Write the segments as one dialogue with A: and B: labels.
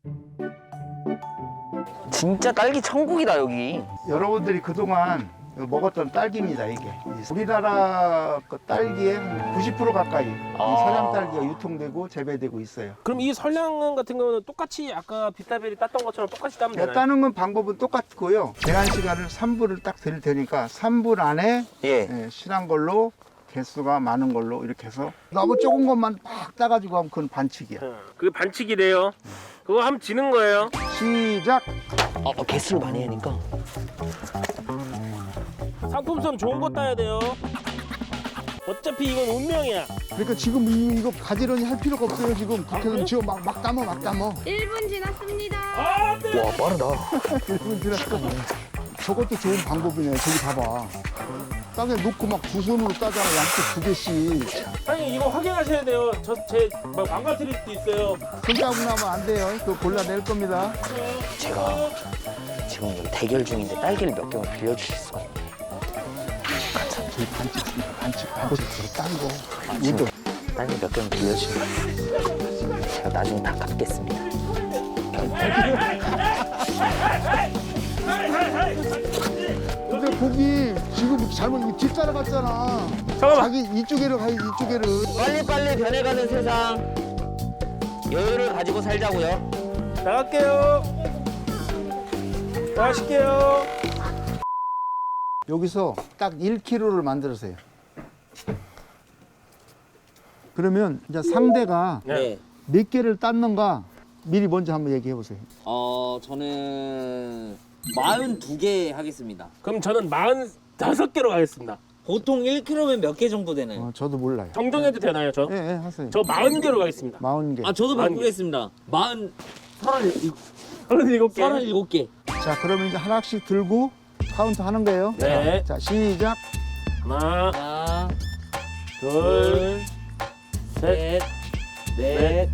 A: 진짜 딸기 천국이다 여기.
B: 여러분들이 그동안 먹었던 딸기입니다, 이게. 우리나라 그 딸기의 한 90% 가까이 이 서량 딸기가 유통되고 재배되고 있어요.
C: 그럼 이 설량 같은 경우는 똑같이 아까 비타벨이 땄던 것처럼 똑같이 따면 되나요?
B: 따는 건 방법은 똑같고요. 제한 시간을 3분을 딱 드릴 테니까 3분 안에
A: 예.
B: 실한 걸로 개수가 많은 걸로 이렇게 해서 너무 조금 것만 막 따가지고 하면 그건 반칙이야.
C: 그게 반칙이래요. 그거 하면 지는 거예요.
B: 시작!
A: 개수를 많이 하니까.
C: 상품성 좋은 거 따야 돼요. 어차피 이건 운명이야.
B: 그러니까 지금 이거 가지런히 할 필요가 없어요. 지금 국회의원 지금 막 담어.
D: 1분 지났습니다.
C: 아, 네.
A: 와 빠르다.
B: 1분 지났어. 저것도 좋은 방법이네. 저기 봐봐. 땅에 놓고 막 두 손으로 따잖아. 양쪽 2개씩.
C: 아니 이거 확인하셔야 돼요. 제 망가뜨릴 수도 있어요.
B: 손자국 나면 안 돼요. 그거 골라낼 겁니다.
A: 제가 지금 여기 대결 중인데 딸기를 몇 개만 빌려주실 수가 있나요?
B: 저희 반칙. 딴 거.
A: 지금 딸기 몇 개만 빌려주시면 제가 나중에 다 갚겠습니다.
B: 근데 거기 지금 잘못 뒷 따라갔잖아.
C: 잠깐만.
B: 자기 이쪽에를 가야지, 이쪽에를.
A: 빨리빨리 변해가는 세상 여유를 가지고 살자고요.
C: 나갈게요. 나가실게요.
B: 여기서 딱 1kg를 만들으세요. 그러면 이제 상대가
C: 네.
B: 몇 개를 땄는가 미리 먼저 한번 얘기해 보세요.
E: 저는 42개 하겠습니다.
C: 그럼 저는 45개로 가겠습니다.
E: 보통 1kg면 몇 개 정도 되나요?
B: 저도 몰라요.
C: 정정해도 되나요, 저?
B: 예, 하세요.
C: 저 40개로 가겠습니다.
B: 40개.
E: 저도
C: 40개.
E: 바꾸겠습니다. 37개.
C: 37개.
B: 자, 그러면 이제 하나씩 들고 카운트 하는 거예요.
C: 네.
B: 자, 시작.
C: 하나,
E: 하나,
C: 둘, 셋,
E: 넷,
C: 넷.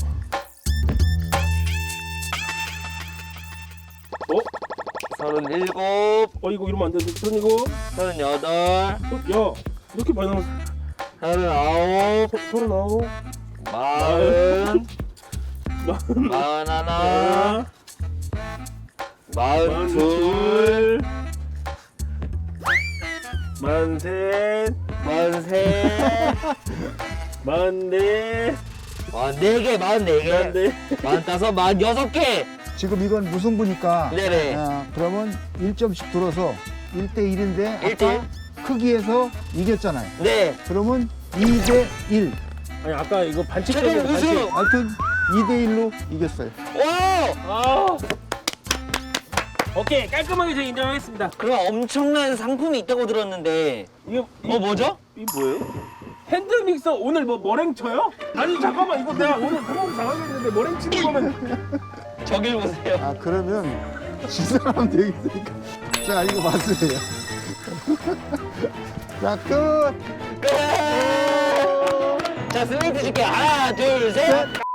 C: 어?
A: 37,
C: 이거 이러면 안 되는데. 그러니고
A: 38,
C: 야, 이렇게 많이 나왔어.
A: 39,
C: 39,
A: 40, 41,
C: 하나,
A: 42,
C: 43,
A: 43,
C: 44,
A: 44개, 44개, 45, 46개.
B: 지금 이건 무승부니까.
A: 네네.
B: 그러면 1점씩 들어서 1대1인데 아까
A: 1대1?
B: 크기에서 이겼잖아요.
A: 네.
B: 그러면 2대1.
C: 아니 아까 이거 반칙
A: 최종
C: 때문에
A: 우승!
C: 반칙.
B: 하여튼 2대1로 이겼어요.
A: 와!
C: 아. 오케이, 깔끔하게 제가 인정하겠습니다.
A: 그럼 엄청난 상품이 있다고 들었는데
C: 이거
A: 뭐죠?
C: 이 뭐예요? 핸드 믹서 오늘 뭐 머랭 쳐요? 아니 잠깐만 이거 내가 오늘 구멍 잘하겠는데 머랭 치는 거면
A: 저길 보세요.
B: 그러면 진 사람 되겠으니까. 자, 이거 맞으세요. 자, 끝.
A: 끝! 자, 스윙 드실게요. 하나, 둘, 셋.